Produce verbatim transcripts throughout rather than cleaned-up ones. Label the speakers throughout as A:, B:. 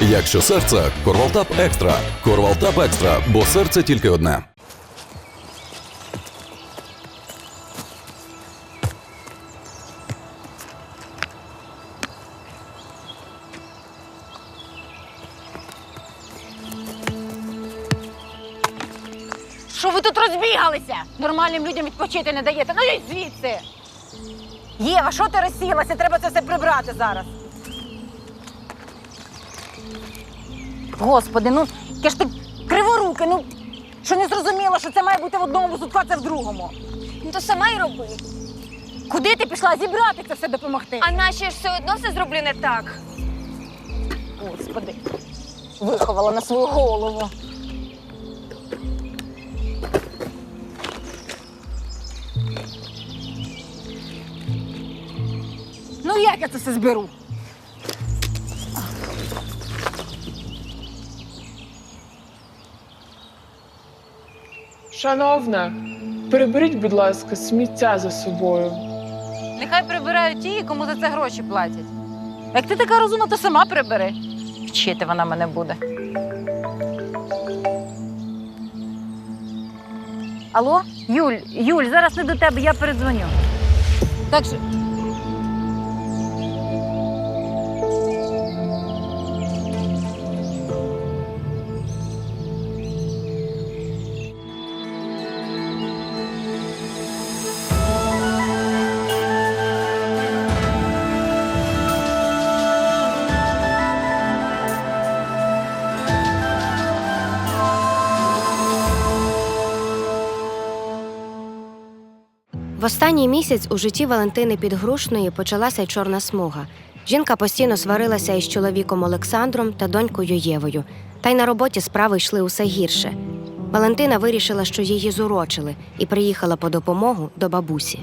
A: Якщо серце – Корвалтап Екстра. Корвалтап Екстра, бо серце тільки одне.
B: Що ви тут розбігалися? Нормальним людям відпочити не даєте. Ну йдіть звідси. Єва, що ти розсілася? Треба це все прибрати зараз. Господи, ну яке ж ти криворуке, ну що не зрозуміло, що це має бути в одному сутку, а це в другому.
C: Ну то сама й роби.
B: Куди ти пішла зібрати це все допомогти?
C: А наче ж все одно все зроблю не так.
B: Господи, виховала на свою голову. Ну як я це все зберу?
D: Шановна, приберіть, будь ласка, сміття за собою.
B: Нехай прибирають ті, кому за це гроші платять. Як ти така розумна, то сама прибери. Вчити вона мене буде. Алло? Юль, Юль, зараз не до тебе, я передзвоню. Так що...
E: В останній місяць у житті Валентини Підгрушної почалася чорна смуга. Жінка постійно сварилася із чоловіком Олександром та донькою Євою. Та й на роботі справи йшли усе гірше. Валентина вирішила, що її зурочили, і приїхала по допомогу до бабусі.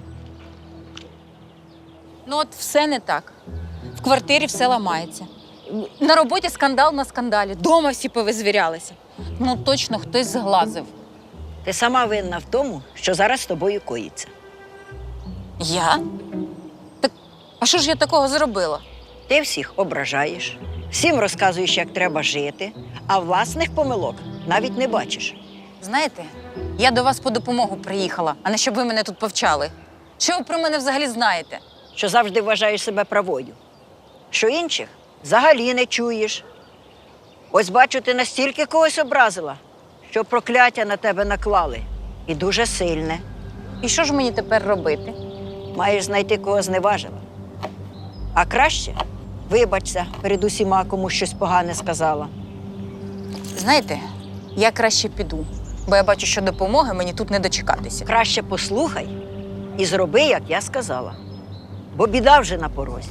F: Ну от все не так. В квартирі все ламається. На роботі скандал на скандалі. Дома всі повизвірялися. Ну точно хтось зглазив.
G: Ти сама винна в тому, що зараз з тобою коїться.
F: Я? Так, а що ж я такого зробила?
G: Ти всіх ображаєш, всім розказуєш, як треба жити, а власних помилок навіть не бачиш.
F: Знаєте, я до вас по допомогу приїхала, а не щоб ви мене тут повчали. Що ви про мене взагалі знаєте?
G: Що завжди вважаєш себе правою, що інших взагалі не чуєш. Ось бачу, ти настільки когось образила, що прокляття на тебе наклали. І дуже сильне.
F: І що ж мені тепер робити?
G: Маєш знайти, кого зневажила. А краще вибачся перед усіма, кому щось погане сказала.
F: Знаєте, я краще піду, бо я бачу, що допомоги мені тут не дочекатися.
G: Краще послухай і зроби, як я сказала. Бо біда вже на порозі.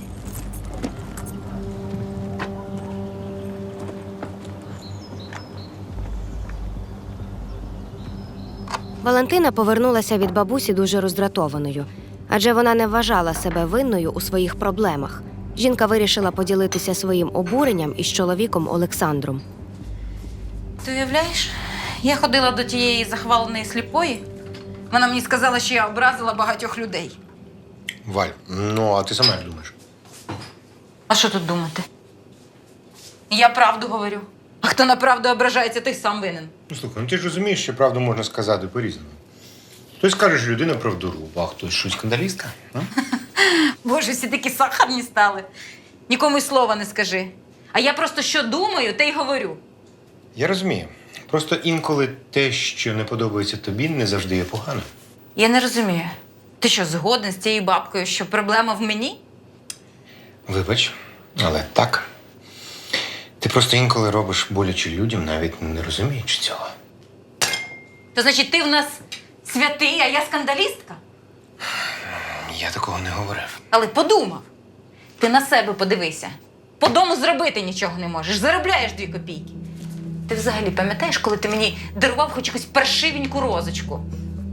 E: Валентина повернулася від бабусі дуже роздратованою, адже вона не вважала себе винною у своїх проблемах. Жінка вирішила поділитися своїм обуренням із чоловіком Олександром.
F: Ти уявляєш? Я ходила до тієї захваленої сліпої. Вона мені сказала, що я образила багатьох людей.
H: Валь, ну а ти сама як думаєш?
F: А що тут думати? Я правду говорю. А хто на правду ображається, той сам винен.
H: Ну слухай, ну ти ж розумієш, що правду можна сказати по-різному. Хтось каже, що людина правдоруб, а хтось що, скандалістка? А?
F: Боже, всі такі сахарні стали. Нікому й слова не скажи. А я просто що думаю, те й говорю.
H: Я розумію. Просто інколи те, що не подобається тобі, не завжди є погано.
F: Я не розумію. Ти що, згоден з цією бабкою, що проблема в мені?
H: Вибач, але так. Ти просто інколи робиш боляче людям, навіть не розуміючи цього.
F: То значить, ти в нас святий, а я скандалістка?
H: Я такого не говорив.
F: Але подумав. Ти на себе подивися. По дому зробити нічого не можеш. Заробляєш дві копійки. Ти взагалі пам'ятаєш, коли ти мені дарував хоч якусь паршивеньку розочку?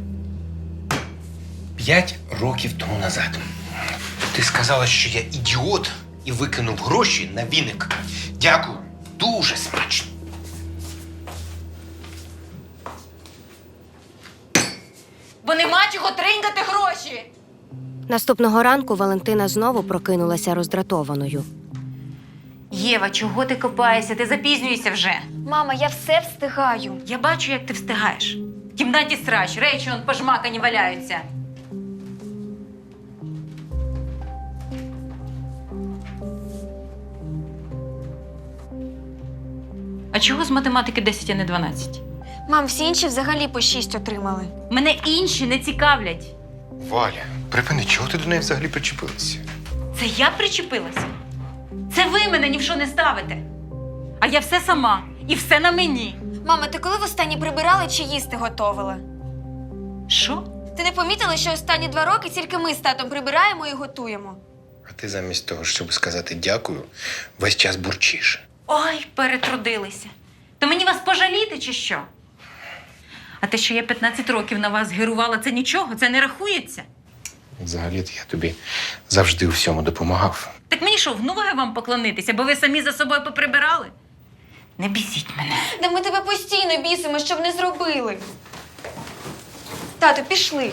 H: П'ять років тому назад ти сказала, що я ідіот і викинув гроші на віник. Дякую. Дуже смачно.
F: Бо нема чого тринькати гроші.
E: Наступного ранку Валентина знову прокинулася роздратованою.
F: Єва, чого ти копаєшся? Ти запізнюєшся вже.
C: Мама, я все встигаю.
F: Я бачу, як ти встигаєш. В кімнаті срач, речі он пожмакані валяються. А чого з математики десять, а не дванадцять?
C: Мам, всі інші взагалі по шість отримали.
F: Мене інші не цікавлять.
H: Валя, припини, чого ти до неї взагалі причепилася?
F: Це я причепилася? Це ви мене ні в що не ставите. А я все сама. І все на мені.
C: Мама, ти коли востаннє прибирала чи їсти готувала?
F: Що?
C: Ти не помітила, що останні два роки тільки ми з татом прибираємо і готуємо?
H: А ти замість того, щоб сказати дякую, весь час бурчиш.
F: Ой, перетрудилися. То мені вас пожаліти чи що? А те, що я п'ятнадцять років на вас герувала, це нічого, це не рахується.
H: Взагалі-то я тобі завжди у всьому допомагав.
F: Так мені що, в ноги вам поклонитися, бо ви самі за собою поприбирали? Не бісіть мене.
C: Да ми тебе постійно бісимо, щоб не зробили. Тату, пішли.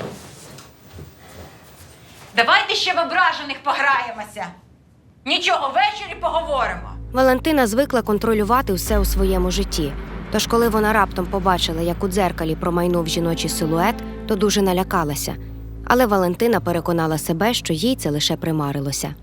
F: Давайте ще в ображених пограємося. Нічого, ввечері поговоримо.
E: Валентина звикла контролювати все у своєму житті. Тож, коли вона раптом побачила, як у дзеркалі промайнув жіночий силует, то дуже налякалася. Але Валентина переконала себе, що їй це лише примарилося.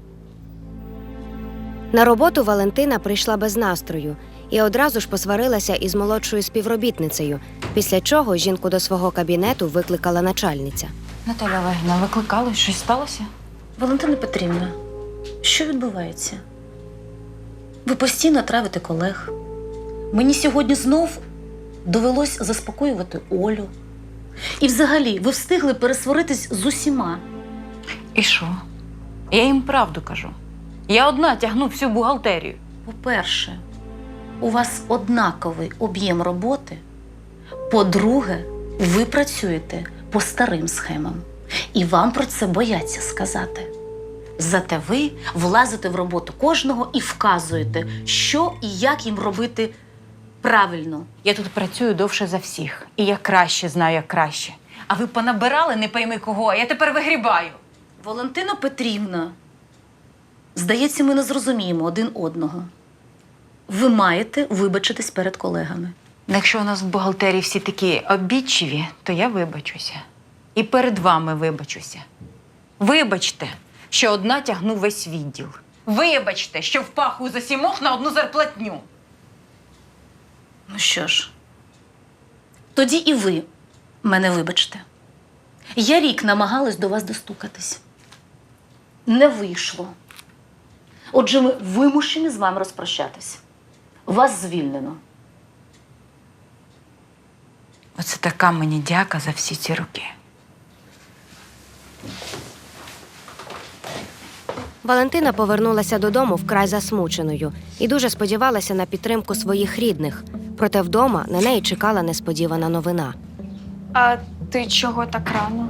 E: На роботу Валентина прийшла без настрою і одразу ж посварилася із молодшою співробітницею, після чого жінку до свого кабінету викликала начальниця.
F: Наталя Олегівна, викликали? Щось сталося?
I: Валентина Петрівна, що відбувається? Ви постійно травите колег. Мені сьогодні знов довелось заспокоювати Олю. І взагалі, ви встигли пересваритись з усіма.
F: І що? Я їм правду кажу. Я одна тягну всю бухгалтерію.
I: По-перше, у вас однаковий об'єм роботи. По-друге, ви працюєте по старим схемам. І вам про це бояться сказати. Зате ви влазите в роботу кожного і вказуєте, що і як їм робити правильно.
F: Я тут працюю довше за всіх. І я краще знаю, як краще. А ви понабирали не пойми кого, а я тепер вигрібаю.
I: Валентина Петрівна, здається, ми не зрозуміємо один одного. Ви маєте вибачитись перед колегами.
F: Якщо у нас в бухгалтерії всі такі обідчиві, то я вибачуся. І перед вами вибачуся. Вибачте, що одна тягну весь відділ. Вибачте, що впахую за сімох на одну зарплатню.
I: Ну що ж, тоді і ви мене вибачте. Я рік намагалась до вас достукатись. Не вийшло. Отже, ми вимушені з вами розпрощатись. Вас звільнено.
F: Оце така мені дяка за всі ці роки.
E: Валентина повернулася додому вкрай засмученою і дуже сподівалася на підтримку своїх рідних. Проте вдома на неї чекала несподівана новина.
C: А ти чого так рано?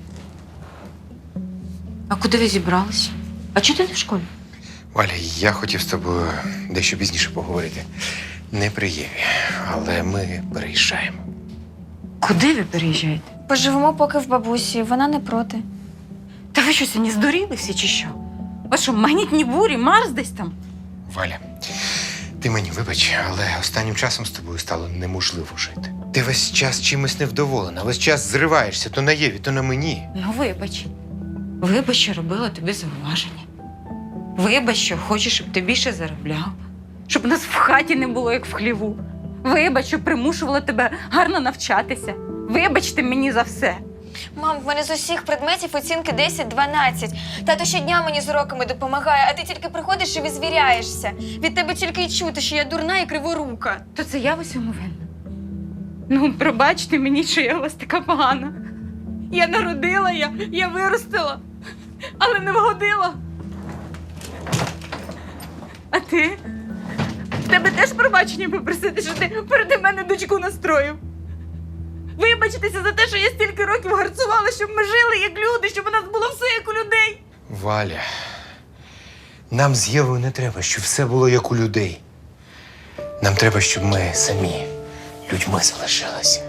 F: А куди ви зібрались? А чого ти не в школі?
H: Валя, я хотів з тобою дещо пізніше поговорити. Не при Єві, але ми переїжджаємо.
F: Куди ви переїжджаєте?
C: Поживемо поки в бабусі, вона не проти.
F: Та ви що, сьогодні здуріли всі чи що? Ви що, магнітні бурі, Марс десь там?
H: Валя, ти мені вибач, але останнім часом з тобою стало неможливо жити. Ти весь час чимось невдоволена, весь час зриваєшся то на Єві, то на мені.
F: Ну, вибач. Вибач, що робила тобі зауваження. Вибач, що хочеш, щоб ти більше заробляв. Щоб нас в хаті не було, як в хліву. Вибач, що примушувала тебе гарно навчатися. Вибачте мені за все.
C: Мам, в мене з усіх предметів оцінки десять-дванадцять. Тато щодня мені з уроками допомагає, а ти тільки приходиш і визвіряєшся. Від тебе тільки й чути, що я дурна і криворука.
F: То це я в усьому винна. Ну, пробачте мені, що я у вас така погана. Я народила, я, я виростила, але не вгодила. А ти? В тебе теж пробачення попросити, що ти переді мене дочку настроїв. Вибачитися за те, що я стільки років гарцувала, щоб ми жили як люди, щоб у нас було все як у людей.
H: Валя, нам з Євою не треба, щоб все було як у людей. Нам треба, щоб ми самі людьми залишилися.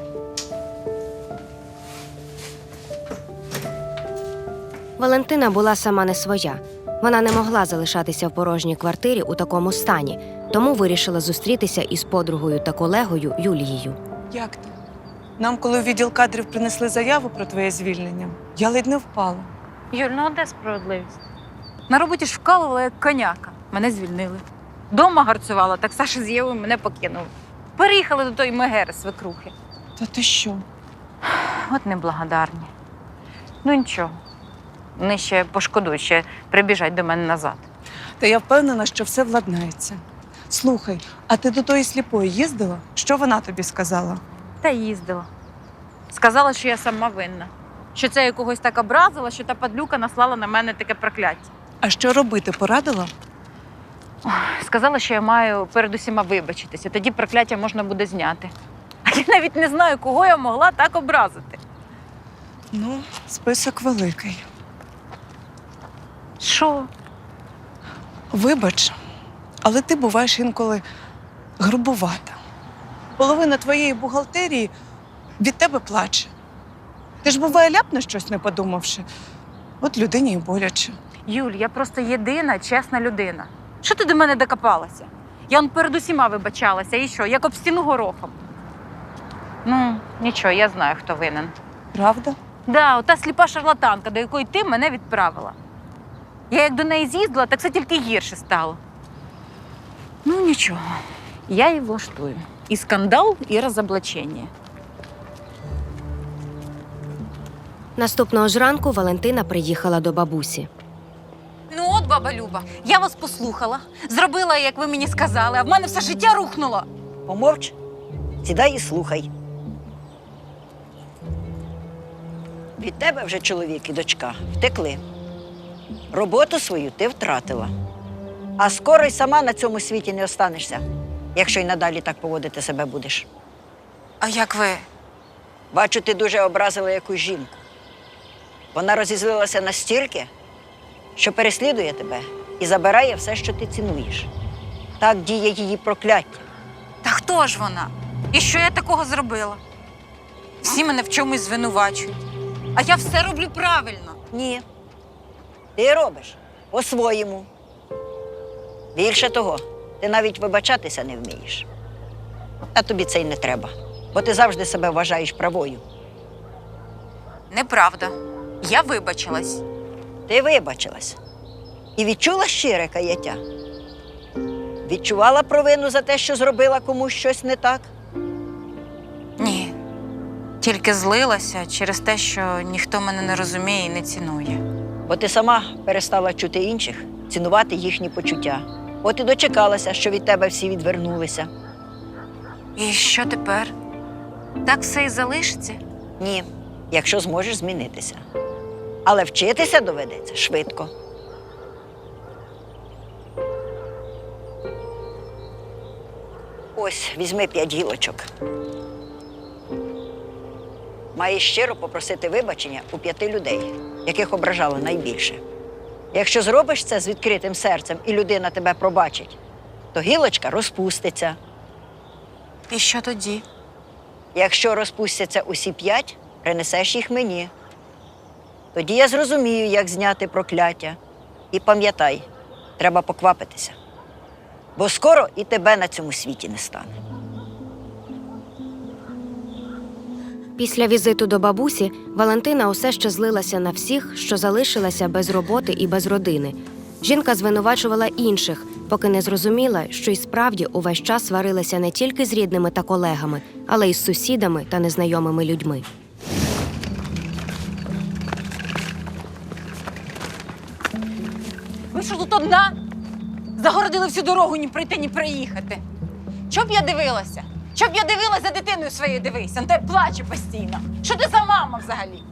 E: Валентина була сама не своя. Вона не могла залишатися в порожній квартирі у такому стані, тому вирішила зустрітися із подругою та колегою Юлією.
J: Як ти? Нам, коли у відділ кадрів принесли заяву про твоє звільнення, я ледь не впала.
F: Юль, ну а де справедливість? На роботі ж вкалувала як коняка. Мене звільнили. Дома гарцювала, так Саша з Євою мене покинули. Переїхали до тої мегери свекрухи.
J: Та ти що?
F: От неблагодарні. Ну нічого. Вони ще пошкодують, ще прибіжать до мене назад.
J: Та я впевнена, що все владнається. Слухай, а ти до тої сліпої їздила? Що вона тобі сказала?
F: Та їздила. Сказала, що я сама винна. Що це я когось так образила, що та падлюка наслала на мене таке прокляття.
J: А що робити, порадила?
F: Сказала, що я маю перед усіма вибачитися, тоді прокляття можна буде зняти. А я навіть не знаю, кого я могла так образити.
J: Ну, список великий.
F: Що?
J: Вибач, але ти буваєш інколи грубувата. Половина твоєї бухгалтерії від тебе плаче. Ти ж, буває, ляпне щось, не подумавши. От людині і боляче.
F: Юль, я просто єдина, чесна людина. Що ти до мене докопалася? Я он перед усіма вибачалася, і що, як об стіну горохом. Ну, нічого, я знаю, хто винен.
J: Правда?
F: Да, ота сліпа шарлатанка, до якої ти мене відправила. Я як до неї з'їздила, так все тільки гірше стало. Ну, нічого, я її влаштую. І скандал, і розоблачення.
E: Наступного ж ранку Валентина приїхала до бабусі.
F: Ну от, баба Люба, я вас послухала, зробила, як ви мені сказали, а в мене все життя рухнуло.
G: Помовч, сідай і слухай. Від тебе вже чоловік і дочка втекли. Роботу свою ти втратила. А скоро й сама на цьому світі не останешся, якщо й надалі так поводити себе будеш.
F: А як ви?
G: Бачу, ти дуже образила якусь жінку. Вона розізлилася настільки, що переслідує тебе і забирає все, що ти цінуєш. Так діє її прокляття.
F: Та хто ж вона? І що я такого зробила? Всі мене в чомусь звинувачують. А я все роблю правильно.
G: Ні. Ти робиш по-своєму. Більше того, ти навіть вибачатися не вмієш. А тобі це й не треба, бо ти завжди себе вважаєш правою.
F: Неправда. Я вибачилась.
G: Ти вибачилась і відчула щире каяття. Відчувала провину за те, що зробила комусь щось не так.
F: Ні. Тільки злилася через те, що ніхто мене не розуміє і не цінує.
G: Бо ти сама перестала чути інших, цінувати їхні почуття. От і дочекалася, що від тебе всі відвернулися.
F: І що тепер? Так все і залишиться?
G: Ні, якщо зможеш змінитися. Але вчитися доведеться швидко. Ось, візьми п'ять гілочок. Маєш щиро попросити вибачення у п'яти людей, яких ображала найбільше. Якщо зробиш це з відкритим серцем і людина тебе пробачить, то гілочка розпуститься.
F: І що тоді?
G: Якщо розпустяться усі п'ять, принесеш їх мені. Тоді я зрозумію, як зняти прокляття. І пам'ятай, треба поквапитися. Бо скоро і тебе на цьому світі не стане.
E: Після візиту до бабусі Валентина усе ще злилася на всіх, що залишилася без роботи і без родини. Жінка звинувачувала інших, поки не зрозуміла, що й справді увесь час сварилася не тільки з рідними та колегами, але й з сусідами та незнайомими людьми.
F: Ви що тут одна? Загородили всю дорогу, ні пройти, ні проїхати. Що б я дивилася? Що б я дивилася за дитиною своєю дивися? Ну, та й плаче постійно. Що ти за мама взагалі?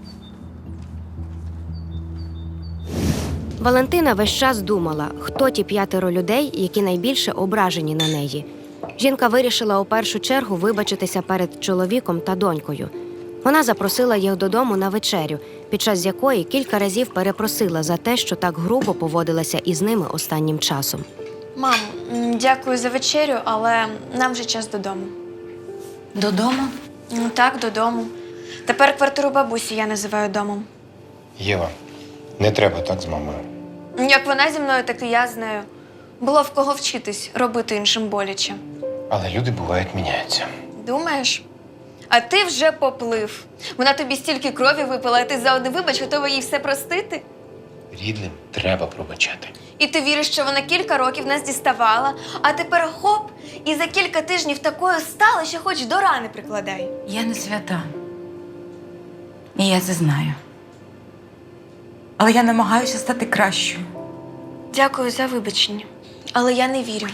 E: Валентина весь час думала, хто ті п'ятеро людей, які найбільше ображені на неї. Жінка вирішила у першу чергу вибачитися перед чоловіком та донькою. Вона запросила їх додому на вечерю, під час якої кілька разів перепросила за те, що так грубо поводилася із ними останнім часом.
C: Мам, м, дякую за вечерю, але нам вже час додому.
F: Додому?
C: Ну, так, додому. Тепер квартиру бабусі я називаю домом.
H: Єва, не треба так з мамою.
C: Як вона зі мною, так і я з нею. Було в кого вчитись робити іншим боляче.
H: Але люди бувають міняються.
C: Думаєш? А ти вже поплив. Вона тобі стільки крові випила, а ти за один вибач готова їй все простити?
H: Рідним треба пробачати.
C: І ти віриш, що вона кілька років нас діставала, а тепер хоп, і за кілька тижнів такою стала, що хоч до рани прикладай.
F: Я не свята. І я це знаю. Але я намагаюся стати кращою.
C: Дякую за вибачення, але я не вірю.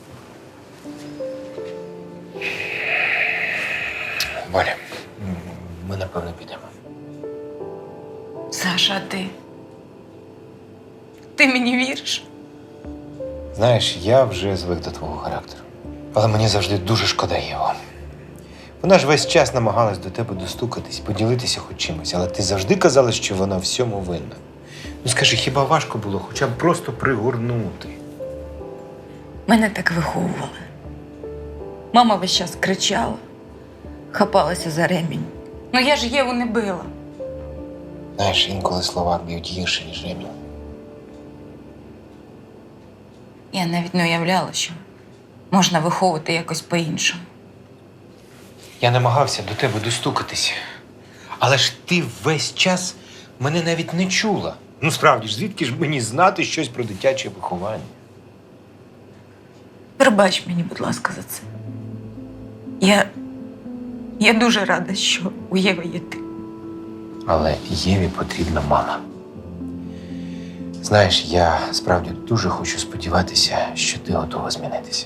H: Валя, ми напевно підемо.
F: Саша, а ти? Ти мені віриш?
H: Знаєш, я вже звик до твого характеру. Але мені завжди дуже шкода Єву. Вона ж весь час намагалась до тебе достукатись, поділитися хоч чимось, але ти завжди казала, що вона всьому винна. Ну скажи, хіба важко було хоча б просто пригорнути?
F: Мене так виховували. Мама весь час кричала, хапалася за ремінь. Ну я ж Єву не била.
H: Знаєш, інколи слова б'ють гірше, ніж ремінь.
F: Я навіть не уявляла, що можна виховувати якось по-іншому.
H: Я намагався до тебе достукатися. Але ж ти весь час мене навіть не чула. Ну справді ж, звідки ж мені знати щось про дитяче виховання?
F: Пробач мені, будь ласка, за це. Я. Я дуже рада, що у Єви є ти.
H: Але Єві потрібна мама. Знаєш, я справді дуже хочу сподіватися, що ти готова змінитися.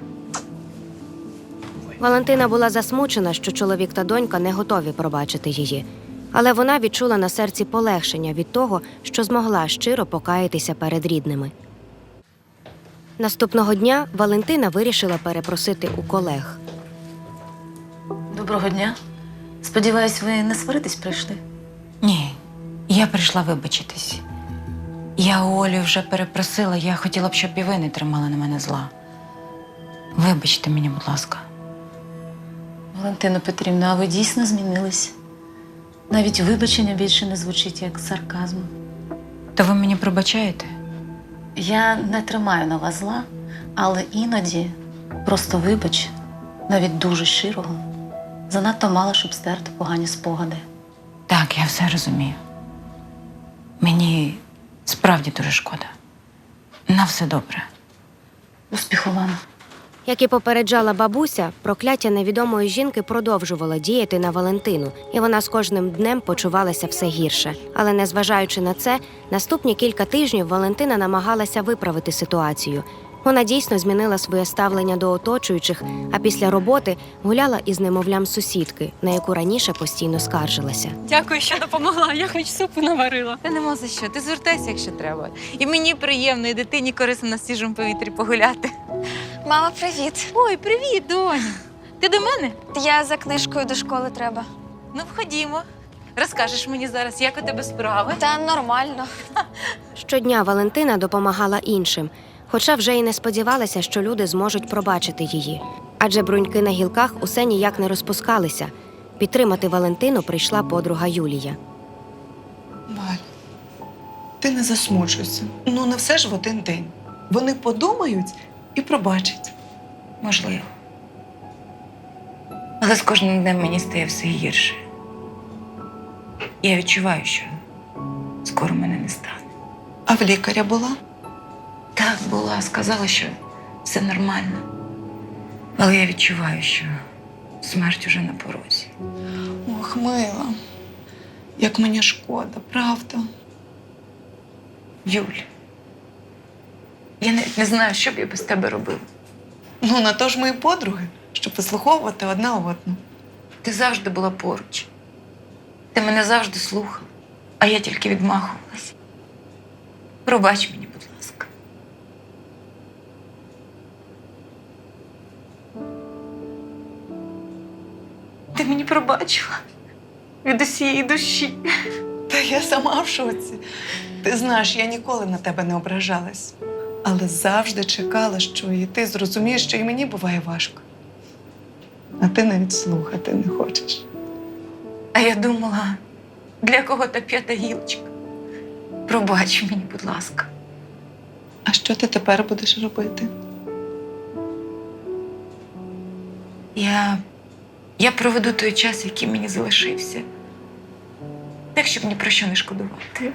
E: Валентина була засмучена, що чоловік та донька не готові пробачити її. Але вона відчула на серці полегшення від того, що змогла щиро покаятися перед рідними. Наступного дня Валентина вирішила перепросити у колег.
I: Доброго дня. Сподіваюсь, ви не сваритись прийшли?
F: Ні, я прийшла вибачитись. Я у Олі вже перепросила, я хотіла б, щоб і ви не тримали на мене зла. Вибачте мені, будь ласка.
I: Валентина Петрівна, а ви дійсно змінились? Навіть вибачення більше не звучить як сарказм.
F: То ви мені пробачаєте?
I: Я не тримаю на вас зла, але іноді просто вибач, навіть дуже щирого, занадто мало, щоб стерти погані спогади.
F: Так, я все розумію. Мені справді дуже шкода. На все добре.
I: Успіху вам.
E: Як і попереджала бабуся, прокляття невідомої жінки продовжувало діяти на Валентину, і вона з кожним днем почувалася все гірше. Але незважаючи на це, наступні кілька тижнів Валентина намагалася виправити ситуацію. Вона дійсно змінила своє ставлення до оточуючих, а після роботи гуляла із немовлям сусідки, на яку раніше постійно скаржилася.
K: Дякую, що допомогла. Я хоч супу наварила. Та нема за що. Ти звертайся, якщо треба. І мені приємно, і дитині корисно на свіжому повітрі погуляти.
C: Мама, привіт.
K: Ой, привіт, доню. Ти до мене?
C: Я за книжкою до школи треба.
K: Ну, входімо. Розкажеш мені зараз, як у тебе справи?
C: Та нормально.
E: Щодня Валентина допомагала іншим, хоча вже й не сподівалася, що люди зможуть пробачити її. Адже бруньки на гілках усе ніяк не розпускалися. Підтримати Валентину прийшла подруга Юлія.
J: Валь, ти не засмучуйся. Ну, не все ж в один день. Вони подумають і пробачать.
F: Можливо. Але з кожним днем мені стає все гірше. Я відчуваю, що скоро мене не стане.
J: А в лікаря була?
F: Так, була, сказала, що все нормально. Але я відчуваю, що смерть уже на порозі.
J: Ох, мила, як мені шкода, правда?
F: Юль, я навіть не знаю, що б я без тебе робила.
J: Ну, на то ж ми і подруги, щоб вислуховувати одна одну.
F: Ти завжди була поруч. Ти мене завжди слухала, а я тільки відмахувалася. Пробач мені, будь ласка. Ти мені пробачила від усієї душі.
J: Та я сама в шоці. Ти знаєш, я ніколи на тебе не ображалась. Але завжди чекала, що і ти зрозумієш, що і мені буває важко. А ти навіть слухати не хочеш.
F: А я думала, для кого та п'ята гілочка. Пробач мені, будь ласка.
J: А що ти тепер будеш робити?
K: Я. Я проведу той час, який мені залишився. Так, щоб ні про що не шкодувати.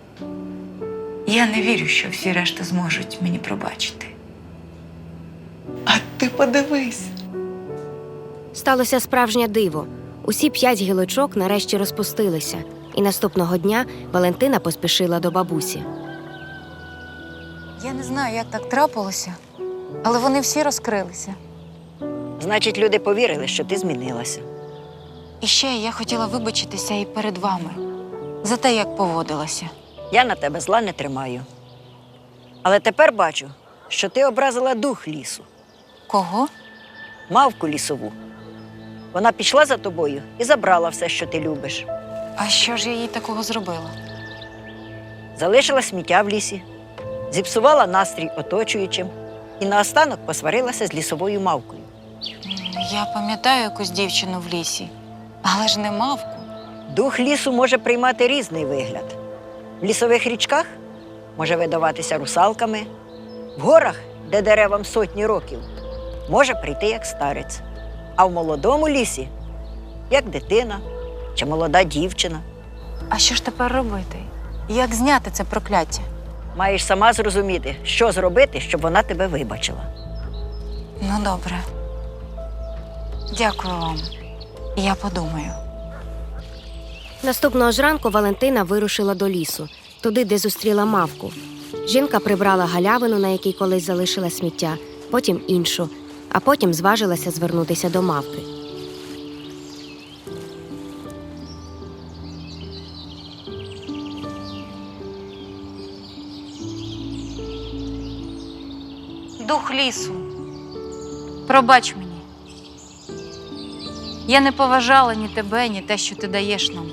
K: Я не вірю, що всі решта зможуть мені пробачити.
J: А ти подивись.
E: Сталося справжнє диво. Усі п'ять гілочок нарешті розпустилися, і наступного дня Валентина поспішила до бабусі.
B: Я не знаю, як так трапилося, але вони всі розкрилися.
G: Значить, люди повірили, що ти змінилася.
B: І ще я хотіла вибачитися і перед вами за те, як поводилася.
G: Я на тебе зла не тримаю. Але тепер бачу, що ти образила дух лісу,
B: Кого?
G: мавку лісову. Вона пішла за тобою і забрала все, що ти любиш.
B: А що ж я їй такого зробила?
G: Залишила сміття в лісі, зіпсувала настрій оточуючим і наостанок посварилася з лісовою мавкою.
B: Я пам'ятаю якусь дівчину в лісі, але ж не мавку.
G: Дух лісу може приймати різний вигляд. В лісових річках може видаватися русалками, в горах, де деревам сотні років, може прийти як старець, а в молодому лісі – як дитина чи молода дівчина.
B: А що ж тепер робити? Як зняти це прокляття?
G: Маєш сама зрозуміти, що зробити, щоб вона тебе вибачила.
B: Ну, добре. Дякую вам. Я подумаю.
E: Наступного ж ранку Валентина вирушила до лісу, туди, де зустріла мавку. Жінка прибрала галявину, на якій колись залишила сміття, потім іншу, а потім зважилася звернутися до мавки.
B: Дух лісу, пробач мені. Я не поважала ні тебе, ні те, що ти даєш нам.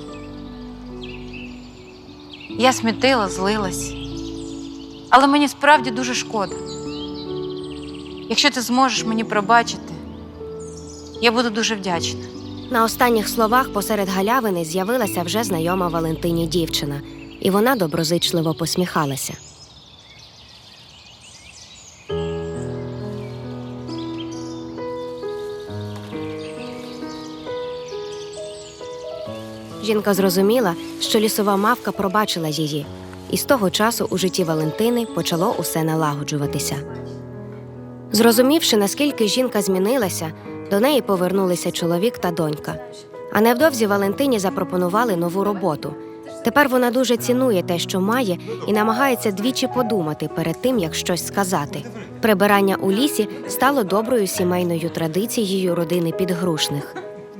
B: Я смітила, злилась. Але мені справді дуже шкода. Якщо ти зможеш мені пробачити, я буду дуже вдячна.
E: На останніх словах посеред галявини з'явилася вже знайома Валентині дівчина, і вона доброзичливо посміхалася. Жінка зрозуміла, що лісова мавка пробачила її, і з того часу у житті Валентини почало усе налагоджуватися. Зрозумівши, наскільки жінка змінилася, до неї повернулися чоловік та донька. А невдовзі Валентині запропонували нову роботу. Тепер вона дуже цінує те, що має, і намагається двічі подумати перед тим, як щось сказати. Прибирання у лісі стало доброю сімейною традицією родини Підгрушних.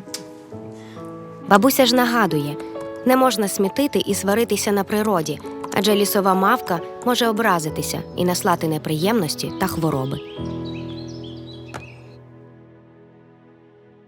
E: Бабуся ж нагадує, не можна смітити і сваритися на природі, адже лісова мавка може образитися і наслати неприємності та хвороби.